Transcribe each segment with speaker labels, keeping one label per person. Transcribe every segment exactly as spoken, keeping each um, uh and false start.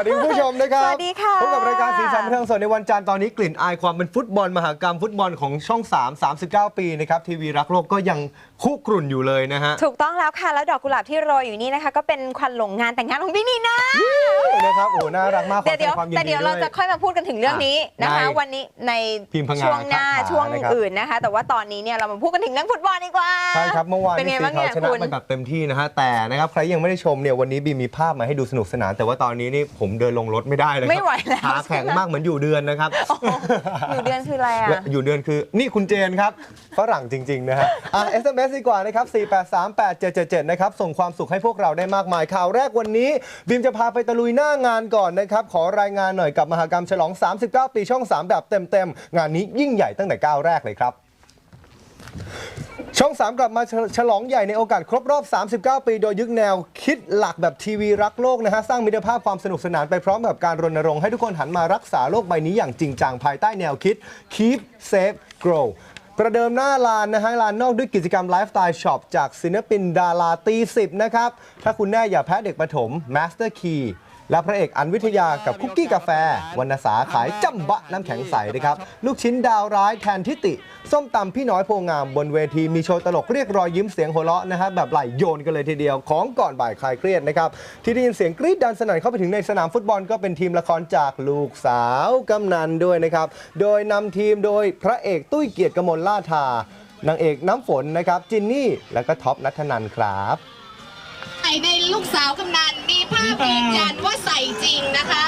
Speaker 1: ดีคุณผู้ชมนะครับ
Speaker 2: สวัสดีค่ะ
Speaker 1: พบกับรายการสีสันบันเทิงสดในวันจันทร์ตอนนี้กลิ่นอายความเป็นฟุตบอลมหกรรมฟุตบอลของช่องสาม สามสิบเก้า ปีนะครับทีวีรักโลกก็ยังคุกรุ่นอยู่เลยนะฮะ
Speaker 2: ถูกต้องแล้วค่ะแล้วดอกกุหลาบที่โรยอยู่นี่นะคะก็เป็นควันหลงงานแต่งงานของพี่นีน่า
Speaker 1: นะครับโอ้น่ารักมากขอแสดงความยินดีด้วย
Speaker 2: แต่เดี๋ยวเราจะค่อยมาพูดกันถึงเรื่องนี้นะคะวันนี้ในช่วงหน้าช่วงอื่นนะคะแต่ว่าตอนนี้เนี่ยเรามาพูดกันถึงเรื่องฟุตบอลดีกว่า
Speaker 1: ใช่ครับเมื่อวานนี้สีขาวชนะไปแบบเต็มที่นะฮะแต่นะครับใครยังไม่ได้ชมเนี่ยวันนี้บีมีภาพมาให้ดูสนุกสนานแต่ว่าตอนนี้นี่ผมเดินลงรถไม่ได้เลย
Speaker 2: ไม่ไหวแล้ว
Speaker 1: ขาแข็งมากเหมือนอยู่เดือนนะครับ
Speaker 2: อยู่เดือนคืออะไรอ่ะ
Speaker 1: อยู่เดือนคือนี่คุณเจนครับฝรั่งจริงๆนะฮะอ่ะ เอส เอ็ม เอส ดีกว่านะครับสี่ แปด สาม แปด เจ็ด เจ็ด เจ็ดนะครับส่งความสุขให้พวกเราได้มากมายข่าวแรกวันนี้บีมจะพาไปตะลุยหน้างานก่อนนะครับขอรายงานหน่อยกับมหกรรมฉลองสามสิบเก้าปีช่องสามแบบเต็มๆงานนี้ยิ่งใหญ่ตั้งแต่ก้าวแรกเลยครับช่องสามกลับมาฉลองใหญ่ในโอกาสครบรอบสามสิบเก้าปีโดยยึดแนวคิดหลักแบบทีวีรักโลกนะฮะสร้างมิตรภาพความสนุกสนานไปพร้อมกับการรณรงค์ให้ทุกคนหันมารักษาโลกใบนี้อย่างจริงจังภายใต้แนวคิด Keep Safe Grow ประเดิมหน้าลานนะฮะลานนอกด้วยกิจกรรมไลฟ์สไตล์ช็อปจากศิลปินดาราตีสิบนะครับถ้าคุณแน่อย่าแพ้เด็กประถม Master Keyและพระเอกอันวิทยากับคุกกี้กาแฟวรรณสาขายจัมบะน้ำแข็งใสนะครับลูกชิ้นดาวร้ายแทนทิติส้มตำพี่น้อยโพงามบนเวทีมีโชว์ตลกเรียกรอยยิ้มเสียงหัวเราะนะฮะแบบไหลโยนกันเลยทีเดียวของก่อนบ่ายคลายเครียดนะครับที่ได้ยินเสียงกรี๊ดดังสนั่นเข้าไปถึงในสนามฟุตบอลก็เป็นทีมละครจากลูกสาวกำนันด้วยนะครับโดยนำทีมโดยพระเอกตุ้ยเกียรติกมลล่าทานางเอกน้ำฝนนะครับจินนี่และก็ท็อปณัฐนันท์ครับ
Speaker 3: ในลูกสาวกำนันมีภาพยืนยันว่าใส่จริงนะคะ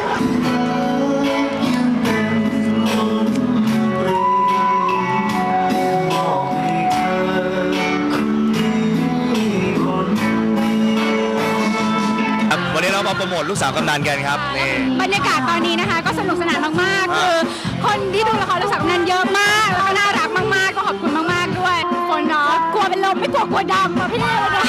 Speaker 4: วันนี้เรามาโปรโมทลูกสาวกำนันกันครับนี่
Speaker 5: บรรยากาศตอนนี้นะคะก็สนุกสนานมากๆคือคนที่ดูละครลูกสาวกำนันเยอะมากแล้วก็น่ารักมากๆก็ขอบคุณมากๆด้วยคนเนาะกลัวเป็นลมไม่กลัวกลัวดำอ่ะพี่เลยนะ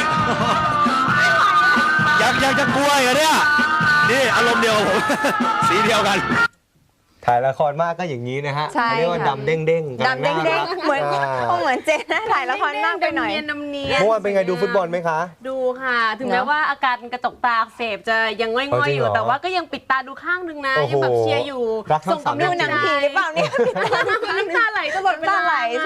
Speaker 4: ยังยังจะกลัวเหรอเนี่ยนี่อารมณ์เดียวกับผม สีเดียวกัน
Speaker 1: ถ่ายละครมากก็อย่างนี้นะฮะเรียกว่าดำเด้งเด้ง
Speaker 2: ดำเด้งเด้งเหมือนเหมือนเจนนะถ่ายละครมากไปหน่อย
Speaker 6: น้ำเนียน
Speaker 1: เมื่อวานเป็นไงดูฟุตบอลไหมคะ
Speaker 6: ดูค่ะถึงแม้ว่าอาการกระจกตาเสพจะยังง่อยๆอยู่แต่ว่าก็ยังปิดตาดูข้างนึงนะยังแบบเชียร์อยู่
Speaker 1: ส่งกำลังใจ
Speaker 2: ดูหนังผีหรือเปล่าเนี่ย
Speaker 6: น้ำตาไหลตลอดเวลา